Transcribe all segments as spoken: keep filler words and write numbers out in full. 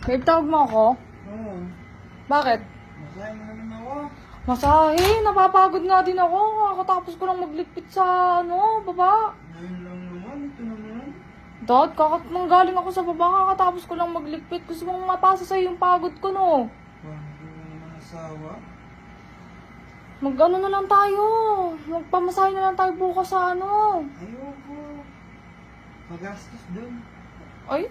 Babe, tawag mo ako? Oo. Bakit? Masahe mo naman ako. Masahe, napapagod nga din ako. Kakatapos ko lang magligpit sa, ano, baba. Ngayon lang naman. Ito naman. Dad, kakat nang galing ako sa baba, kakatapos ko lang magligpit. Gusto mong mapasa sa'yo yung pagod ko, no? Parang hindi mo naman asawa. Mag-ano na lang tayo. Magpamasahe na lang tayo bukas sa ano. Ayoko. Magastos dun. Ay?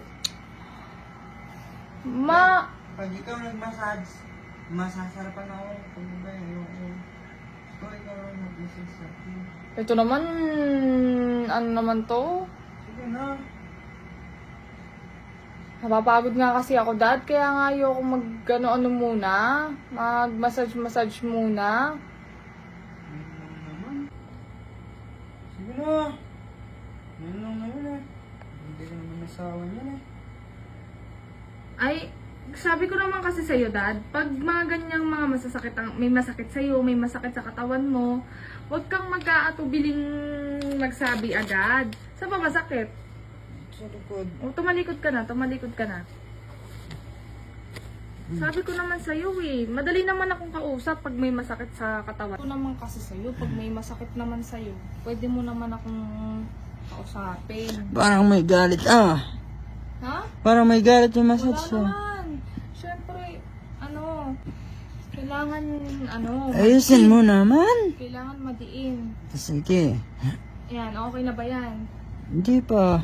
Ma... Pag ikaw nag-massage, masasarapan ako. Kung ba, ayoko. Ikaw, ikaw lang nag-massage sa akin. Ito naman... Ano naman to? Sige na. Napapagod nga kasi ako, Dad. Kaya nga ayoko mag-ano-ano muna. Mag-massage-massage muna. Ngayon lang naman. Sige na. Ngayon lang naman eh. Hindi ka naman asawa niyan eh. Ay, sabi ko naman kasi sa'yo, Dad, pag mga ganyang mga masasakit, ang, may masakit sa'yo, may masakit sa katawan mo, huwag kang mag-aatubiling magsabi agad. Saan ba masakit? Sa likod. O, tumalikod ka na, tumalikod ka na. Sabi ko naman sa'yo eh, madali naman akong kausap pag may masakit sa katawan. Ito naman kasi sa'yo, pag may masakit naman sa'yo, pwede mo naman akong kausapin. Parang may galit ah. Ha? Parang may galit yung Wala massage ah. naman. Siyempre, ano, kailangan, ano, Ayusin mo naman. kailangan madiin. Sige. Yan, okay na ba yan? Hindi pa.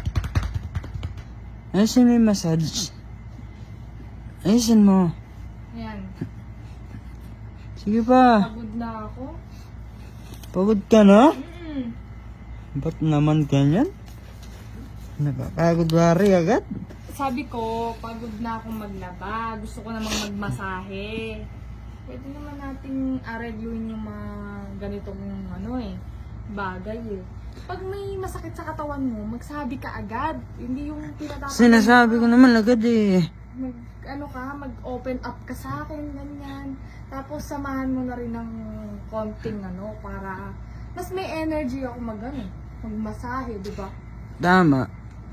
Ayusin mo yung massage. Ayusin mo. Yan, Sige pa. pagod na ako. Pagod ka na? Mm. Ba't naman ganyan? Nakakagod wari agad? Sabi ko, pagod na akong maglaba. Gusto ko namang magmasahe. Pwede naman nating aregluin yung mga ganitong ano eh, bagay eh. Pag may masakit sa katawan mo, magsabi ka agad. Hindi yung tinatapos. Sinasabi ko naman agad eh. Mag, ano ka, mag-open up ka sa akin, ganyan. Tapos samahan mo na rin ng konting ano, para mas may energy ako mag ano, magmasahe, di ba? Tama.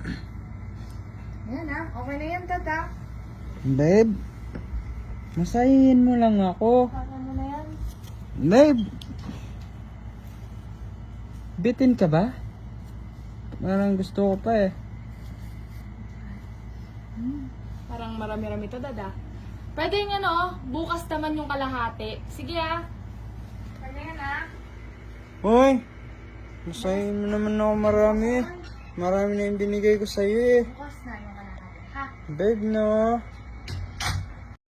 Yan ha, okay na yan, tata. Babe, masahin mo lang ako. Kaya mo na yan. Babe, bitin ka ba? Parang gusto ko pa eh. Parang marami-rami to, dada. Pwede yung ano, bukas naman yung kalahati. Sige ah. Okay na yan ah. Hoy, masahin mo naman ako marami. Marami na yung binigay ko sa'yo eh. Bukas na yung kalahati, ha? Babe, no?